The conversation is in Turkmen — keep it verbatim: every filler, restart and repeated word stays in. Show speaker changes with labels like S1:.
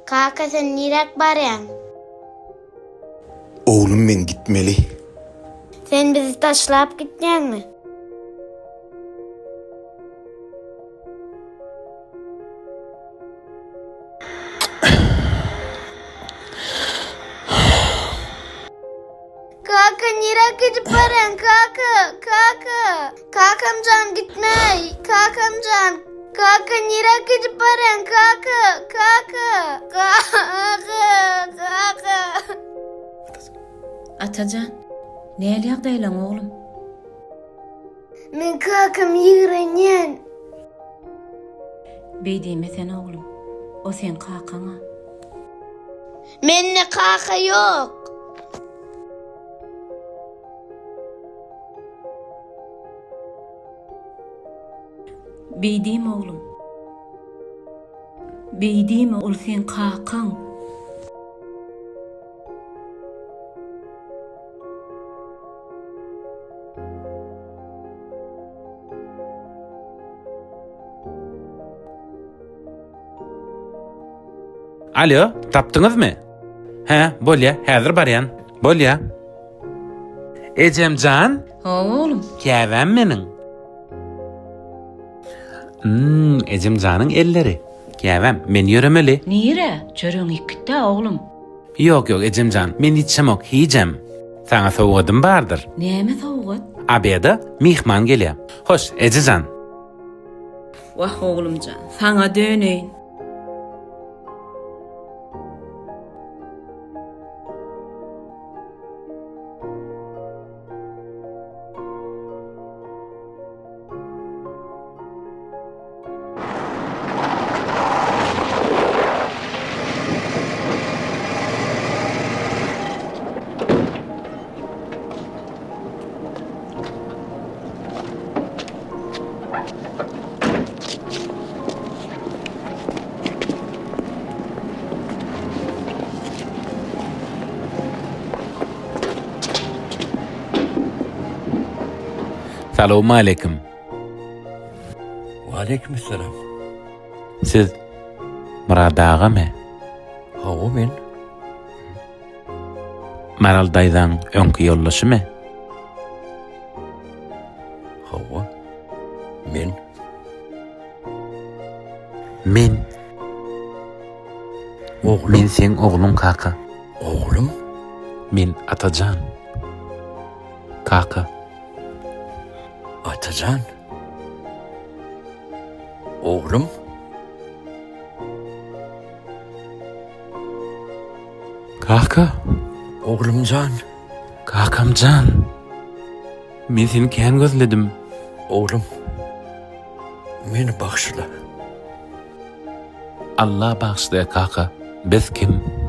S1: Kaka sen nirek baryan?
S2: Oğlum men gitmeli.
S1: Sen bizi taşlap gitmeyen mi? Kaka nirek gidip baryan kaka? Kaka. Kakamcan gitmey. Kakamcan. Kaka nirek gidip baryan kaka? Kaka. Kaka. Kaka.
S3: Atacan, näle ýagdaýlaň oglum?
S1: Men kakam ýigrenýän.
S3: Beýdime sen oglum. O sen kakaňa.
S1: Menne kaka yok.
S3: Beýdime oglum. Beýdime ol sen kakaň.
S4: Alo, tapdyňyzmy? He, bolýa, häzir barýan. Bolýa. Ejemjan,
S3: Hawa oglum.
S4: käwem meniň. Hmm, Ejemjanyň elleri. Käwem, men ýöremeli.
S3: Nire? Çörüň ikide oglum.
S4: Ýok, ýok, Ejemjan, men içemok, hijem. Saňa sowgadym bardyr.
S3: Näme sowgat?
S4: Abeda mihman gelýär. Hoş, Ejejan.
S3: Wah oglumjan, saňa döneýin.
S4: Salamu aleyküm.
S5: Aleykümselam.
S4: Siz Murad agamy?
S5: Hawa men.
S4: Maral daýdan öňkü ýollaşymy?
S5: Hawa. Men.
S4: Men,
S5: Oglum.
S4: men sen oglum kaka.
S5: Oglum.
S4: Men Atajan. Kaka.
S5: Atacan. Oglum.
S4: Kaka.
S5: Oglumjan.
S4: Kakamjan. Men seni kän gözledim.
S5: Oglum. Meni bagşla.
S4: Allah bağışlaya kaka. Biz kim?